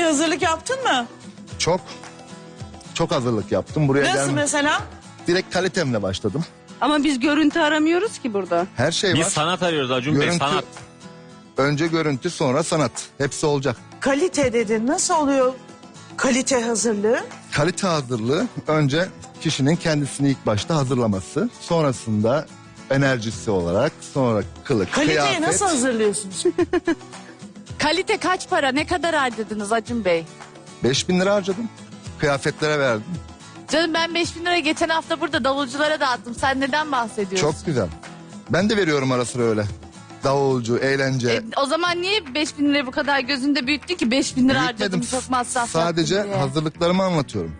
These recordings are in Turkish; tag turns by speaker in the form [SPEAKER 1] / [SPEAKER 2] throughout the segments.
[SPEAKER 1] hazırlık yaptın mı?
[SPEAKER 2] Çok. Çok hazırlık yaptım. Buraya
[SPEAKER 1] Nasıl
[SPEAKER 2] gelmek.
[SPEAKER 1] mesela?
[SPEAKER 2] Direkt kalitemle başladım.
[SPEAKER 3] Ama biz görüntü aramıyoruz ki burada.
[SPEAKER 2] Her şey
[SPEAKER 4] Biz
[SPEAKER 2] var.
[SPEAKER 4] sanat arıyoruz Acun Bey,
[SPEAKER 2] Görüntü-
[SPEAKER 4] sanat.
[SPEAKER 2] Önce görüntü, sonra sanat. Hepsi olacak.
[SPEAKER 1] Kalite dedin. Nasıl oluyor kalite hazırlığı?
[SPEAKER 2] Kalite hazırlığı önce kişinin kendisini ilk başta hazırlaması. Sonrasında enerjisi olarak, sonra kılık,
[SPEAKER 1] Kaliteyi
[SPEAKER 2] kıyafet.
[SPEAKER 1] nasıl hazırlıyorsunuz?
[SPEAKER 3] Kalite kaç para? Ne kadar harcadınız Acun Bey?
[SPEAKER 2] 5.000 lira harcadım. Kıyafetlere verdim.
[SPEAKER 3] Canım ben 5.000 lira geçen hafta burada davulculara dağıttım. Sen neden bahsediyorsun?
[SPEAKER 2] Çok güzel. Ben de veriyorum ara sıra öyle. Davulcu, eğlence.
[SPEAKER 3] O zaman niye 5.000 lirayı bu kadar gözünde büyüttün ki? 5.000 lira harcadım,
[SPEAKER 2] Büyütmedim.
[SPEAKER 3] çok masraf
[SPEAKER 2] Sadece
[SPEAKER 3] yaptım diye.
[SPEAKER 2] hazırlıklarımı anlatıyorum.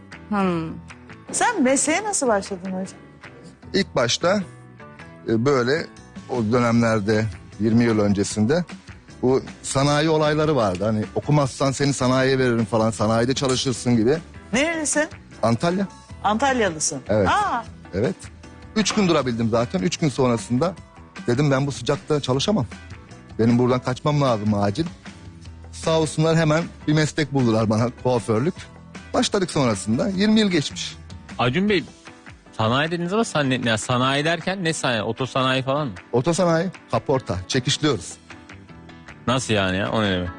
[SPEAKER 1] Sen mesleğe nasıl başladın hocam?
[SPEAKER 2] İlk başta böyle o dönemlerde 20 yıl öncesinde bu sanayi olayları vardı. Hani okumazsan seni sanayiye veririm falan, sanayide çalışırsın gibi.
[SPEAKER 1] Nerelisin?
[SPEAKER 2] Antalya.
[SPEAKER 1] Antalyalısın.
[SPEAKER 2] Evet.
[SPEAKER 1] Aa,
[SPEAKER 2] Evet. 3 gün durabildim zaten. 3 gün sonrasında dedim ben bu sıcakta çalışamam. Benim buradan kaçmam lazım acil. Sağ olsunlar hemen bir meslek buldular bana, kuaförlük. Başladık sonrasında. 20 yıl geçmiş.
[SPEAKER 4] Acun Bey, sanayi dediniz ama sanayi derken ne sanayi? Otosanayi falan mı?
[SPEAKER 2] Otosanayi, kaporta, çekişliyoruz.
[SPEAKER 4] Nasıl yani ya? O ne demek?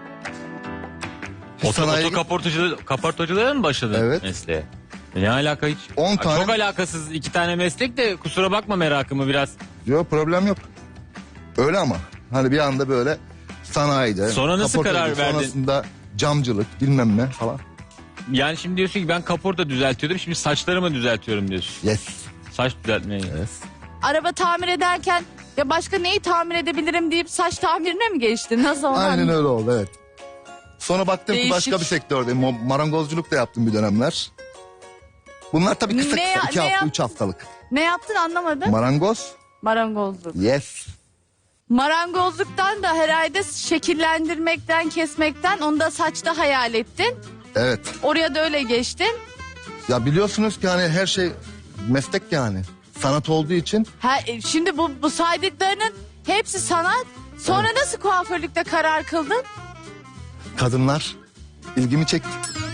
[SPEAKER 2] Sanayi-
[SPEAKER 4] Kaportacılığa mı başladın
[SPEAKER 2] Evet.
[SPEAKER 4] mesleğe? Ne alaka hiç?
[SPEAKER 2] 10 tane-
[SPEAKER 4] Çok alakasız 2 tane meslek de kusura bakma merakımı biraz.
[SPEAKER 2] Yok, problem yok. Öyle ama hani bir anda böyle sanayide.
[SPEAKER 4] Sonra nasıl
[SPEAKER 2] kaportacılık,
[SPEAKER 4] karar verdin?
[SPEAKER 2] Sonrasında camcılık bilmem ne falan.
[SPEAKER 4] Yani şimdi diyorsun ki ben kaporta düzeltiyordum, şimdi saçlarımı düzeltiyorum diyorsun.
[SPEAKER 2] Yes.
[SPEAKER 4] Saç düzeltmeyi.
[SPEAKER 2] Yes.
[SPEAKER 3] Araba tamir ederken ya başka neyi tamir edebilirim deyip saç tamirine mi geçtin? Nasıl onu
[SPEAKER 2] Aynen öyle oldu, evet. Sonra baktım ki
[SPEAKER 3] Değişik.
[SPEAKER 2] başka bir sektördeyim. Marangozculuk da yaptım bir dönemler. Bunlar tabii kısa
[SPEAKER 3] Ne
[SPEAKER 2] kısa.
[SPEAKER 3] ya-
[SPEAKER 2] 2
[SPEAKER 3] ne
[SPEAKER 2] hafta,
[SPEAKER 3] yap-
[SPEAKER 2] 3 haftalık.
[SPEAKER 3] Ne yaptın anlamadım.
[SPEAKER 2] Marangoz.
[SPEAKER 3] Marangozluk.
[SPEAKER 2] Yes.
[SPEAKER 3] Marangozluktan da herhalde şekillendirmekten, kesmekten onu da saçta hayal ettin.
[SPEAKER 2] Evet.
[SPEAKER 3] Oraya da öyle geçtin.
[SPEAKER 2] Ya biliyorsunuz ki hani her şey meslek yani. Sanat olduğu için
[SPEAKER 3] Şimdi bu saydıklarının hepsi sanat. Sonra nasıl kuaförlükte karar kıldın?
[SPEAKER 2] kadınlar ilgimi çekti.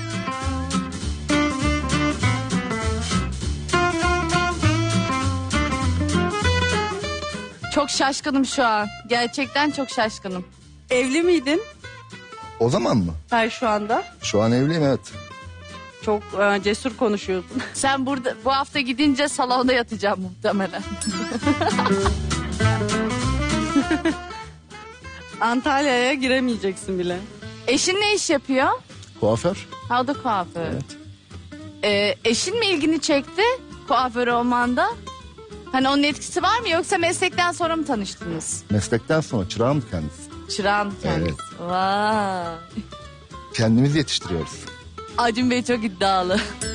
[SPEAKER 3] Çok şaşkınım şu an. Gerçekten çok şaşkınım.
[SPEAKER 5] Evli miydin
[SPEAKER 2] O zaman mı?
[SPEAKER 5] sen şu anda?
[SPEAKER 2] Şu an evliyim, evet.
[SPEAKER 5] Çok cesur konuşuyorsun.
[SPEAKER 3] Sen bu hafta gidince salonda yatacağım muhtemelen.
[SPEAKER 5] Antalya'ya giremeyeceksin bile.
[SPEAKER 3] Eşin ne iş yapıyor?
[SPEAKER 2] Kuaför.
[SPEAKER 3] Ha, o da kuaför.
[SPEAKER 2] Evet.
[SPEAKER 3] Eşin mi ilgini çekti kuaför olmanda? Hani onun etkisi var mı yoksa meslekten sonra mı tanıştınız?
[SPEAKER 2] Meslekten sonra çırağım kendisi.
[SPEAKER 3] Çırağın kendisi. Vay.
[SPEAKER 2] Kendimizi yetiştiriyoruz.
[SPEAKER 3] Acun Bey çok iddialı.